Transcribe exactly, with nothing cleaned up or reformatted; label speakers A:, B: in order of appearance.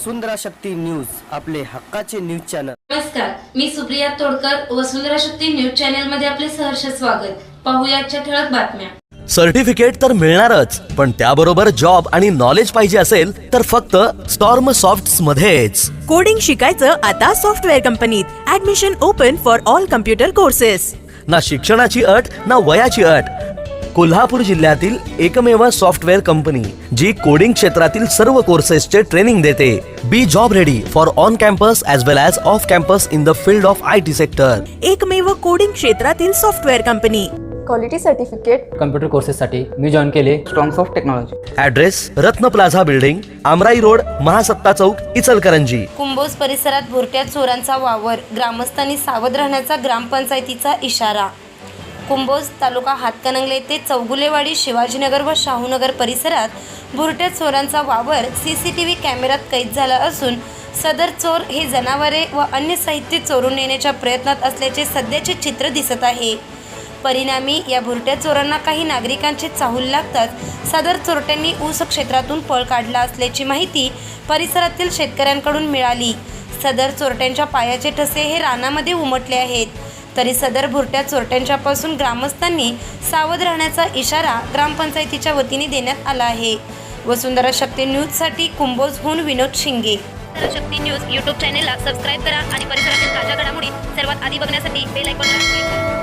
A: वसुंधरा Shakti news, आपले हक्काचे news channel.
B: नमस्कार, मी सुप्रिया तोडकर, वसुंधरा शक्ती न्यूज चॅनल मध्ये आपले सहर्ष स्वागत। पाहूया आजच्या ठळक बातम्या।
C: सर्टिफिकेट तर मिळणारच, पण त्याबरोबर जॉब आणि नॉलेज पाहिजे असेल तर फक्त स्टॉर्म सॉफ्ट्स मध्येच।
D: कोडिंग शिकायचं आता सॉफ्टवेअर कंपनीत। Admission open for all computer courses.
C: ना शिक्षणाची अट ना वयाची अट। कोल्हापूर जिल्ह्यातील एकमेव सॉफ्टवेअर कंपनी जी कोडिंग क्षेत्रातील सर्व कोर्सेसचे ट्रेनिंग देते। Be job ready for on campus as well as off campus in the field of I T sector.
D: एकमेव कोडिंग क्षेत्रातील software company.
E: Quality certificate
F: computer कोर्सेससाठी मी जॉईन केले
E: strongs of technology.
C: Address Ratna plaza building, Amrai road, Mahasatta chowk, Ichalkaranji.
B: Kumbhoj परिसरात भुरट्या चोरांचा वावर, ग्रामस्थांनी सावध राहण्याचा ग्रामपंचायतीचा इशारा। कुंभोज तालुका हातकणंगले ते चौगुलेवाडी, शिवाजीनगर व शाहूनगर परिसरात भुरट्या चोरांचा वावर सीसीटीव्ही कॅमेऱ्यात कैद झाला असून सदर चोर हे जनावरे व अन्य साहित्य चोरून नेण्याच्या प्रयत्नात असल्याचे सध्याचे चित्र दिसत आहे। परिणामी या भुरट्या चोरांना काही नागरिकांचे चाहूल लागतात सदर चोरट्यांनी ऊस क्षेत्रातून पळ काढला असल्याची माहिती परिसरातील शेतकऱ्यांकडून मिळाली। सदर चोरट्यांच्या पायाचे ठसे हे रानामध्ये उमटले आहेत, तरी सदर भुरट्या चोरट्यांच्यापासून ग्रामस्थांनी सावध राहण्याचा इशारा ग्रामपंचायतीच्या वतीने देण्यात आला आहे। वसुंधरा शक्ती न्यूजसाठी कुंभोजहून विनोद शिंगे।
G: वसुंधरा शक्ती न्यूज यूट्यूब चॅनेलला सबस्क्राईब करा आणि परिसरातील ताज्या घडामोडी सर्वात आधी बघण्यासाठी बेल आयकॉनला क्लिक करा।